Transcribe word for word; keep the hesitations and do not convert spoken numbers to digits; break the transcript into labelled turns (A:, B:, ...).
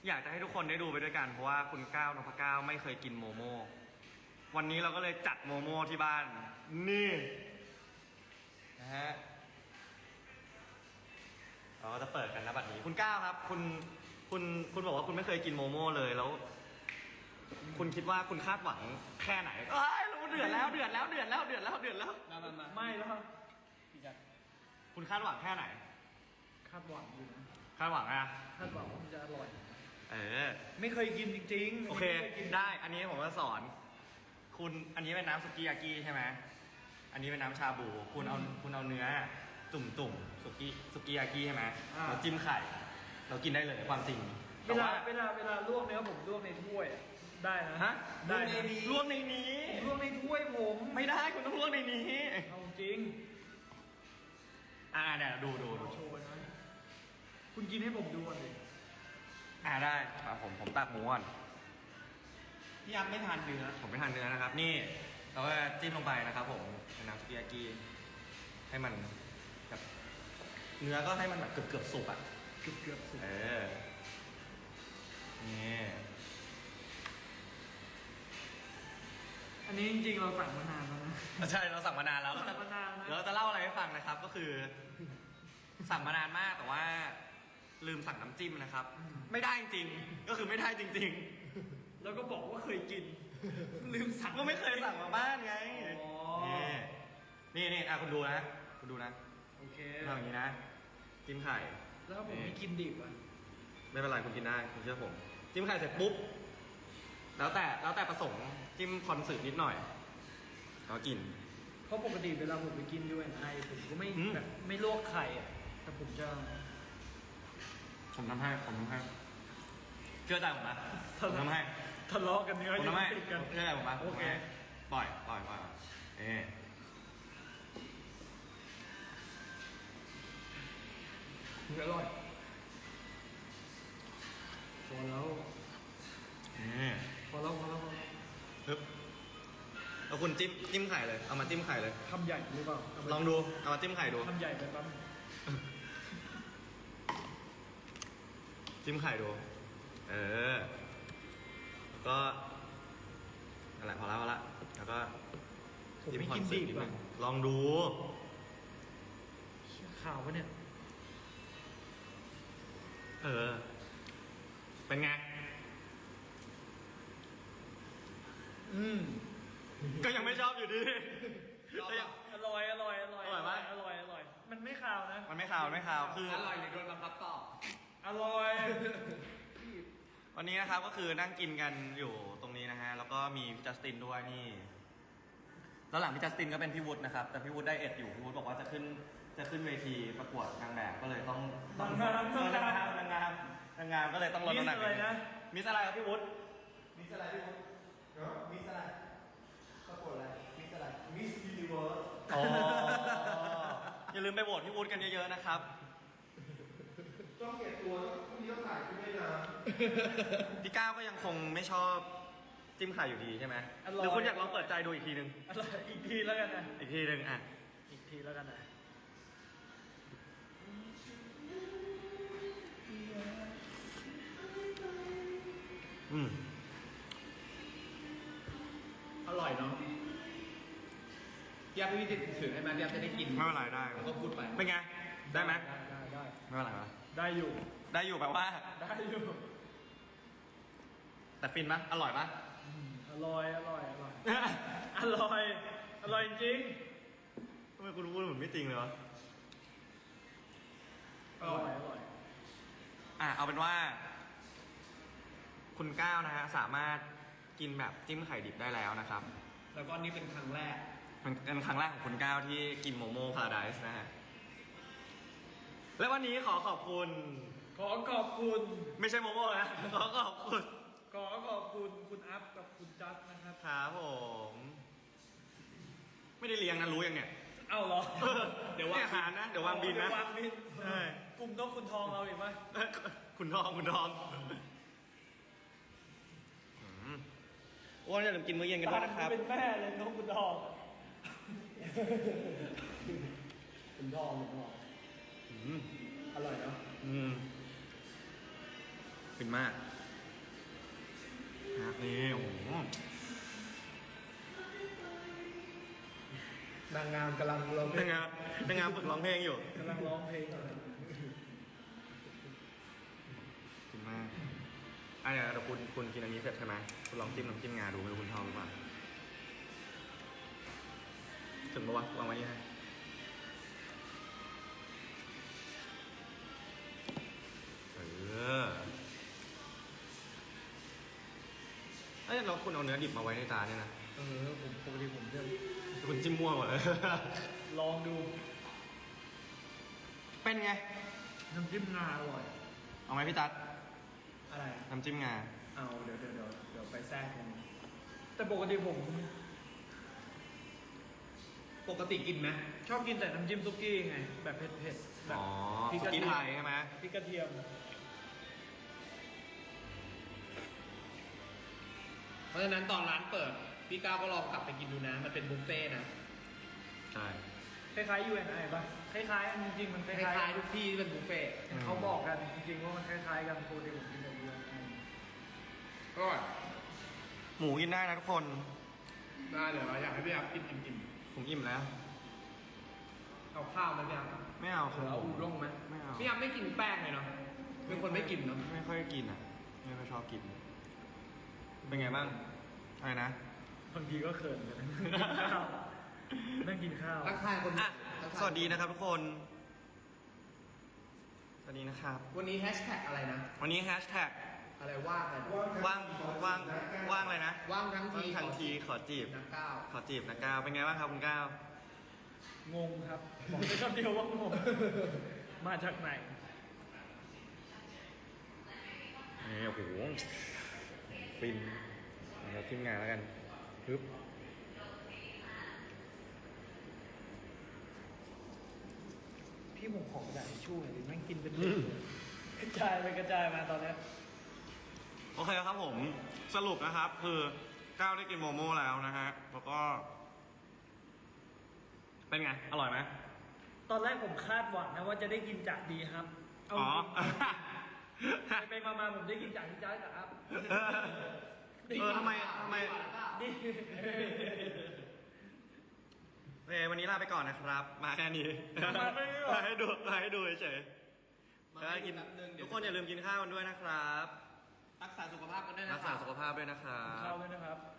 A: อยากจะให้ทุกคนได้ดูไปด้วยกันเพราะว่าคุณก้าวนพก้าวไม่เคยกินโมโม่วันนี้เราก็เลยจัดโมโม่ที่บ้านนี่นะฮะเราก็จะเปิดกันนะบัดนี้คุณก้าวครับ คุณคุณคุณบอกว่าคุณไม่เคยกินโมโม่เลยแล้ว คุณคิดว่าคุณคาดหวังแค่ไหนเอ้ยรู้เดือดแล้วเดือดแล้วเดือดแล้วเดือดแล้วเดือดแล้ว
B: มามามา
C: ไม่แล้วพี่จัด
A: คุณคาดหวังแค่ไหน
C: คาดหวังอยู่นะ
A: คาดหวังอะ
C: คาดหวังว่ามันจะอร่อย
A: เออ
C: ไม่เคยกินจริงๆ
A: โอเค
C: ไม่ยกิน
A: ได้ อันนี้ผมจะสอน คุณ อันนี้เป็นน้ำสุกี้ยากิใช่ไหม อันนี้เป็นน้ำชาบู คุณเอา คุณเอาเนื้อ ตุ่มตุ่มสุกี้สุกี้ยากิใช่ไหมเราจิ้มไข่ เรากินได้เลยความจริง
C: เวลาเวลาเวลาลวกเนื้อผมลวกในถ้วยอะได้นะ
A: ฮะ
C: ได้นะ
A: ลวกในนี้
C: ลวกในถ้วยผม
A: ไม่ได้ คุณต้องลวกในนี้
C: เอาจริง
A: อ่าเนี่ยดูดูดู
C: โชว์นะคุณกินให้ผมดูก่อนดิ
A: อ่าได้ครับผม ผมตักหมูก่อน
B: พี่ยักษ์ไม่ทานเนื้อ
A: ผมไม่ทานเนื้อนะครับ นี่ เราก็จิ้มลงไปนะครับผมในน้ำสุกี้ยากิให้มันแบบเนื้อก็ให้มันแบบเกือบเกือบสุกอ่ะ
C: เกือบเกือบสุก
A: เออ นี่
C: อันนี้จริงๆเราสั่งมานานแล้วนะ
A: ใช่ เราสั่งมานานแล้ว
C: สั่งมานานนะ
A: เดี๋ยวเราจะเล่าอะไรให้ฟังนะครับ ก็คือ สั่งมานานมากแต่ว่า ลืมสั่งน้ำจิ้มนะครับ ไม่ได้จริงๆก็คือไม่ได้จริง
C: แล้วก็บอกว่าเคยกิน ลืมสั่ง
A: ๆ ก็ไม่เคยสั่งมาบ้านไง
C: อ๋อ
A: นี่นี่อ่ะคุณดูนะ คุณดูนะ
C: โอเค
A: ทำอย่างนี้นะ จิ้มไข่
C: แล้วผมไม่กินดิบอ่ะ
A: ไม่เป็นไรคุณกินได้คุณเชื่อผม จิ้มไข่เสร็จปุ๊บ แล้วแต่แล้วแต่ประสงค์จิ้มคอนสึนิดหน่อยแล้วกิน
C: เพราะปกติเวลาผมไปกินด้วยไอผมก็ไม่
A: อืม
C: แบบไม่ลวกไข่อ่ะแต่ผมจะ
A: ผมทำให้ผมทำให้เชื่อใจผมนะผมทำให้
C: ทะเลาะกันเนื้อ
A: ผมทำให้
C: ติดกัน
A: เชื่อใจผมนะ
C: โอเค
A: ปล่อยปล่อยปล่อยเอ๊ะ
C: อร่อยพอแล้ว
A: เอ๊ะ
C: พอแล้วพอแล้วพอแล้ว
A: ปึ๊บแล้วคุณจิ้มจิ้มไข่เลยเอามาจิ้มไข่เลย
C: คำใหญ่หรือเปล่าเาไป
A: ลองดูเอามาจิ้มไข่ดู
C: คำใหญ่ไปปั๊บ
A: จิ้มไข่ดู เออแล้วก็นั่นแหละพอแล้วพอละแล้วก็
C: ผมไม่กินดิบ
A: จิ้มค
C: อ่ะ
A: อนเสิร์ตนิดนึงลองดู
C: ข่าวปะเนี่ย
A: เออ เป็นไง
C: อืม
A: ก็ยังไม่ชอบอยู่ดี ก็ยัง
C: อร่อยอร่อยอร่อย
A: อร่อยไหม
C: อร่อยอร่อยมันไม่ข่าวนะ
A: มันไม่ขาวมันไม่ขาวคือ
B: อร่อยหรือโดนบังคับต่อ
C: อร่อย
A: วันนี้นะครับก็คือนั่งกินกันอยู่ตรงนี้นะฮะ แล้วก็มีพี่จัสตินด้วยนี่ แล้วหลังพี่จัสตินก็เป็นพี่วุฒินะครับ แต่พี่วุฒิได้เอ็ดอยู่ พี่วุฒิบอกว่าจะขึ้นจะขึ้นเวทีประกวดนางแบบก็เลยต้องต้อง
C: นางงาม
A: เออนางงามนางงามนางงามก็เลยต้องลดน้ำหนัก
C: มิสอะไรนะ
A: มิสอะไรครับพี่วุฒิ
B: มิสอะไรพี่วุฒิเนาะมิสอะไรประกวดอะไรมิสอะไรมิสยูนิเวิร์ส
A: อ๋ออย่าลืมไปโหวตพี่วุฒิกันเยอะๆนะครับ
B: ต้องเก็บตัวพรุ่งนี้ต้องถ่ายคุณด้วยนะ
A: พี่ก้าวก็ยังคงไม่ชอบจิ้มไข่อยู่ดีใช่ไหมหรือคุณอยากลองเปิดใจดูอีกทีนึง
C: อร่อยอีกทีแล้วกันนะ
A: อีกทีนึงอ่ะ
C: อีกทีแล้วกันนะ
A: อืม
B: อร่อยเนาะพี่ยักษ์ไม่มีติดถือให้มันพี่ยักษ์จะได้กิน
A: ไม่เป็นไรได้
B: แล้วก็พูดไป
A: เป็นไง ได้ไหม
C: ได้ได้ได้
A: ไม่เป็นไรวะ
C: ได้อยู่
A: ได้อยู่แปลว่า
C: ได้อยู่
A: แต่ฟินปะอร่อยปะ
C: อืมอร่อยอร่อยอร่อยอร่อยอร่อยจริง
A: ทำไมคุณพูดเหมือนไม่จริงเลยวะ
C: อร่อยอร่อย
A: อ่ะเอาเป็นว่า คุณก้าวนะฮะสามารถกินแบบจิ้มไข่ดิบได้แล้วนะครับ
B: แล้วก็นี่เป็นครั้งแรก
A: มันเป็นครั้งแรกของคุณก้าวที่กินโมโม่พาราไดส์นะฮะ และวันนี้ขอขอบคุณ
C: ขอขอบคุณ
A: ไม่ใช่โมโม่นะ ขอขอบคุณ
C: ขอขอบคุณคุณอัพกับคุณจัสนะครับ
A: ครับผม ไม่ได้เลี้ยงนะรู้ยังเนี่ย
C: เอ้าเหรอ
A: เดี๋ยววางอาหารนะ เดี๋ยววางบินนะ
C: เดี๋ยววางบิน
A: ใช่
C: กลุ่มนกคุณทองเราอีกไหม
A: คุณทองคุณทองอืมอ้วนอย่าลืมกินมื้อเย็นกันด้วยนะครับ
C: เป็นแม่เลยนกคุณทองคุณทองคุณทอง
A: อืม
C: อร่อยเนาะ
A: อืมฟินมากนะนี่โอ้โห
B: นางงามกำลังเรา
A: นางงามนางงามฝึกร้องเพลงอยู่
C: กำลังร้องเพลงอยู่
A: ฟินมากอ่ะเดี๋ยวเดี๋ยวคุณคุณกินอันนี้เสร็จใช่ไหมคุณลองจิ้มน้ำจิ้มงาดูไม่รู้คุณชอบหรือเปล่าถึงปะวะวางไว้ยังไงเออเอ้ยเราคุณเอาเนื้อดิบมาไว้ในจานเนี่ยนะ
C: เออผมปกติผมจะ
A: คุณจิ้มมั่วหมดเลย
C: ลองดู
A: เป็นไง
C: น้ำจิ้มงาอร่อย
A: เอาไหมพี่ตั๊ด
C: อะไร
A: น้ำจิ้มงา
C: เอาเดี๋ยวเดี๋ยวเดี๋ยวเดี๋ยวไปแทรกกันแต่ปกติผม ปกติกินไหมชอบกินแต่น้ำจิ้มซุกี้ไง แบบเผ็ดๆแบบ
A: อ๋อ
C: พริก
A: สุ
C: กระ
A: กี้
C: เที
A: ไท
C: ยม
A: ยใช่ไหม
C: พริกกระเทียม
B: เพราะฉะนั้นตอนร้านเปิด พี่ก้าวก็ลองกลับไปกินดูนะ มันเป็นบุฟเฟ่ต์นะ
A: ใช่
C: คล้ายๆ ยู เอ็น ไอ ป่ะ คล้ายๆอันจริงๆ มันค
B: ค
C: ล้า
B: ล้าย
C: ย
B: ๆทุกที่ที่เป็นบุฟเฟ่ต์
C: ๆเขาบอกกันจริงๆ ว่ามันคล้ายๆ กันปกติผมกินแบบ ยู เอ็น ไอ
B: ก็
A: หมูกินได้นะทุกคน
B: ได้เดี๋ยวเราอยากให้พี่อัพกินอิ่ม
A: ผมอิ่มแล้ว
B: ๆเอาข้าวไหมพี่อัพ
A: ไม่เอา
B: หรือเอาอูด้งไหม
A: ไม่เอา
B: พี่อัพไม่กินแป้งเลยเนาะเป็นคนไม่กินเนาะ
A: ไม่ค่อยกินอ่ะ ไม่ค่อยชอบกิน เป็นไงบ้าง อะไรนะ
C: บางทีก็เขินกันข้าวนั่งกินข้าว
B: ทักทายคน
A: อ่ะ
B: ทักทาย
A: สวัสดีนะครับทุกคน สวัสดีนะครับ
B: วันนี้แฮชแท็กอะไรนะ
A: วันนี้แฮชแท็ก
B: อะไรว่างอะไรนะ
A: ว่างว่างว่างเลยนะ
B: ว่างทั้งที
A: ว่างทันทีขอจีบ
B: นักก้าว
A: ขอจีบนะก้าว เป็นไงบ้างครับคุณก้าว
C: งงครับ บอกได้คำเดียวว่างง มาจากไหน
A: นี่โอ้โห ฟินเราทีมงานแล้วกันปึ๊บ
C: พี่ผมขอกระดาษทิชชู่หน่อยดิแม่งกินเป็นเด็กเลยกระจายไปกระจายมาตอนเนี้ย
A: โอเคครับผม สรุปนะครับ คือก้าวได้กินโมโม่แล้วนะฮะ แล้วก็ เป็นไง อร่อยไหม
C: ตอนแรกผมคาดหวังนะว่าจะได้กินจากดีครับ เอา
A: อ๋อ
C: ไปไปมาๆผมได้กินจากที่จ้าจากครับ
A: เออทำไมทำไม
C: ดี
A: โอเควันนี้ลาไปก่อนนะครับ มาแค่นี้ มาให้ดูมาให้ดูเฉยๆ
B: มา
A: แล้ว
B: ให้
A: กิน
B: แป๊บนึงเดี๋ยว
A: ทุกคนอย่าลืมกินข้าวกันด้วยนะครับ
B: รักษาสุขภาพกันด้วยนะ
A: รักษาสุขภาพด้วยนะครับ
C: ข้าวด้วยนะครับ